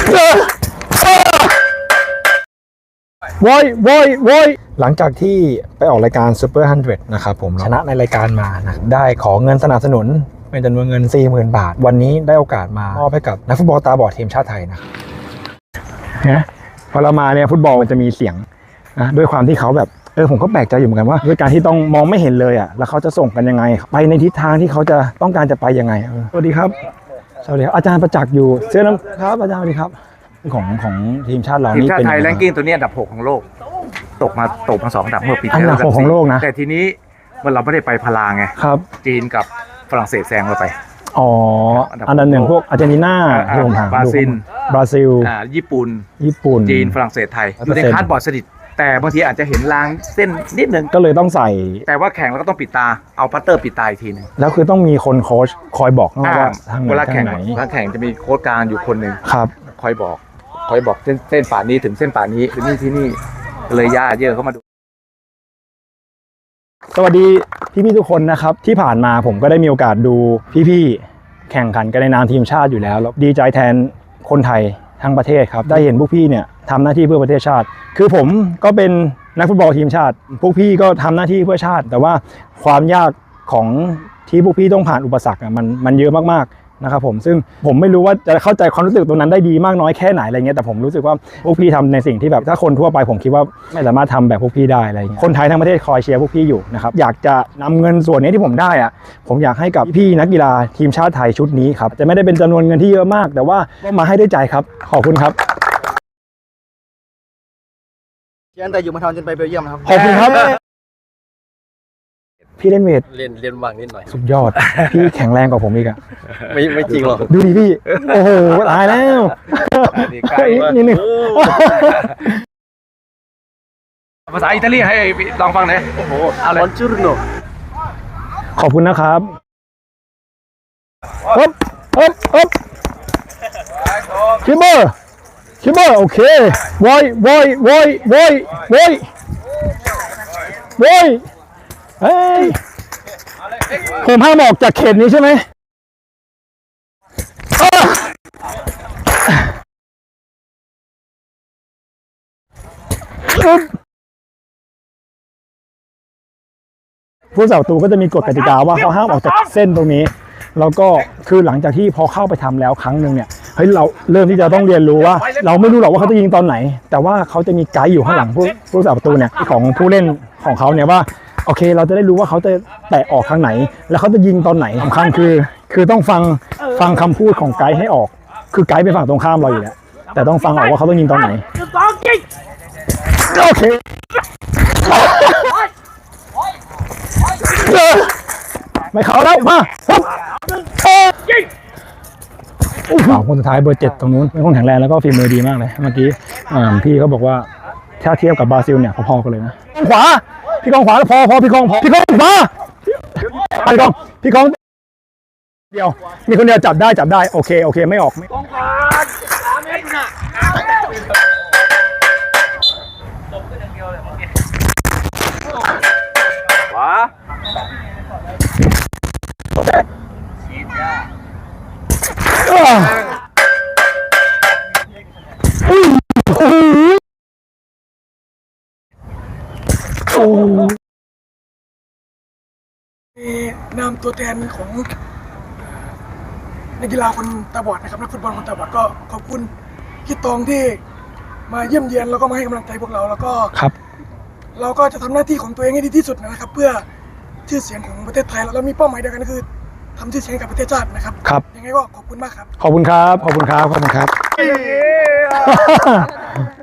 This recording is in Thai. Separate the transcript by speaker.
Speaker 1: โว้ยหลังจากที่ไปออกรายการ Super 100 นะครับผมชนะในรายการมานะได้ขอเงินสนับสนุนเป็นจำนวนเงิน 40,000 บาทวันนี้ได้โอกาสมามอบให้กับนักฟุตบอลตาบอดทีมชาติไทยนะครับนะพอเรามาเนี่ยฟุตบอลมันจะมีเสียงนะด้วยความที่เขาแบบผมก็แปลกใจอยู่เหมือนกันว่าด้วยการที่ต้องมองไม่เห็นเลยแล้วเขาจะส่งกันยังไงไปในทิศทางที่เขาจะต้องการจะไปยังไงสวัสดีครับสวัสดีครับอาจารย์ประจักษ์อยู่เสื้อน้ำครับอาจารย์สวัสดีครับของทีมชาติเรานี่เป็นทีมชาติ
Speaker 2: ไทยแรงกิ้งตัวนี้อันดับ6ของโลกตกมา2อันดับเมื่อปีที่แล้ว
Speaker 1: อันดับ6ของโลกนะ
Speaker 2: แต่ทีนี้มันเราไม่ได้ไปพลาไง
Speaker 1: ครับ
Speaker 2: จีนกับฝรั่งเศสแซงเราไป
Speaker 1: อันดับ1พวกอาร์เจนตินาที่ผมถามบราซิล
Speaker 2: ญี่ปุ่นจีนฝรั่งเศสไทยอยู่ในคาร์ดบอร์ดสนิทแต่บางทีอาจจะเห็นลางเส้นนิดนึง
Speaker 1: ก็เลยต้องใส่
Speaker 2: แต่ว่าแข่งแล้วก็ต้องปิดตาเอาพัตเตอร์ปิดตาอีกทีนึง
Speaker 1: แล้วคือต้องมีคนโค้ชคอยบอกว่า
Speaker 2: เวลาแข่งจะมีโค้ชกลางอยู่คนหนึ่ง
Speaker 1: ครับ
Speaker 2: คอยบอกเส้นป่านี้ถึงเส้นป่านี้ถึงที่นี่เลยญาติเยอะเข้ามาดู
Speaker 1: สวัสดีพี่ๆทุกคนนะครับที่ผ่านมาผมก็ได้มีโอกาสดูพี่ๆแข่งขันกันในนามทีมชาติอยู่แล้วดีใจแทนคนไทยทั้งประเทศครับได้เห็นพวกพี่เนี่ยทำหน้าที่เพื่อประเทศชาติคือผมก็เป็นนักฟุตบอลทีมชาติพวกพี่ก็ทำหน้าที่เพื่อชาติแต่ว่าความยากของที่พวกพี่ต้องผ่านอุปสรรคมันเยอะมากๆนะครับผมซึ่งผมไม่รู้ว่าจะเข้าใจความรู้สึกตรงนั้นได้ดีมากน้อยแค่ไหนอะไรเงี้ยแต่ผมรู้สึกว่าพวกพี่ทำในสิ่งที่แบบถ้าคนทั่วไปผมคิดว่าไม่สามารถทำแบบพวกพี่ได้อะไรเงี้ยคนไทยทั้งประเทศคอยเชียร์พวกพี่อยู่นะครับอยากจะนำเงินส่วนนี้ที่ผมได้ผมอยากให้กับพี่นักกีฬาทีมชาติไทยชุดนี้ครับจะไม่ได้เป็นจำนวนเงินที่เยอะมากแต่ว่ามาให้ด้วยใจครับขอบคุณครับ
Speaker 3: ตั้งแต่อยู่มาทอนจนไปเบลเยียมครับ
Speaker 1: ขอบคุณครับพี่เล่นเวท
Speaker 3: เรียนว่างนิดหน่อย
Speaker 1: สุดยอดพี่แข็งแรงกว่าผมอีก
Speaker 3: ไม่จริงหรอก
Speaker 1: ดูดิพี่โอ้โหตายแล้วนี่นึง
Speaker 2: ภาษาอิตาลีให้ลองฟังหน่อยโอ้โห
Speaker 3: อะไรบอนจูร์โน
Speaker 1: ขอบคุณนะครับคิมเบอร์โอเคโว้ยเฮ้ยผมห้ามออกจากเขตนี้ใช่ไหมผู้สาวตูก็จะมีกฎกติกาว่าเขาห้ามออกจากเส้นตรงนี้แล้วก็คือหลังจากที่พอเข้าไปทำแล้วครั้งหนึ่งเนี่ยเฮ้ยเราเริ่มที่จะต้องเรียนรู้ว่าเราไม่รู้หรอกว่าเขาจะยิงตอนไหนแต่ว่าเขาจะมีไกด์อยู่ข้างหลังผู้สาวประตูเนี่ยของผู้เล่นของเขาเนี่ยว่าโอเคเราจะได้รู้ว่าเขาจะแตะออกทางไหนแล้วเขาจะยิงตอนไหนสำคัญคือต้องฟังคำพูดของไกด์ให้ออกคือไกด์เป็นฝั่งตรงข้ามเราอยู่แล้วแต่ต้องฟังออกว่าเขาต้องยิงตอนไหนโอเคไม่เขาแล้วมาคนสุดท้ายเบอร์ 7ตรงนู้นเป็นคนแข็งแรงแล้วก็ฝีมือดีมากเลยเมื่อกี้พี่เขาบอกว่าถ้าเทียบกับบราซิลเนี่ยพอๆกันเลยนะขวาพี่กองขวาพอพี่กองขวาพี่กองเดียวมีคนเดียวจับได้โอเคไม่ออกไม่กองขวา3 เมตรน่ะตบขึ้นอย่างเดียวเลยขวา
Speaker 4: นามตัวแทนของนักกีฬาคนตาบอดนะครับนักฟุตบอลคนตาบอดก็ขอบคุณพี่ตองที่มาเยี่ยมเยียนแล้วก็มาให้กำลังใจพวกเราแล้วก็
Speaker 1: ครับ
Speaker 4: เราก็จะทำหน้าที่ของตัวเองให้ดีที่สุดนะครับเพื่อชื่อเสียงของประเทศไทยเรามีเป้าหมายเดียวกันก็คือทำชื่อเสียงกับประเทศชาตินะครับยังไงก็ขอบคุณมากครับ
Speaker 1: ขอบคุณครับ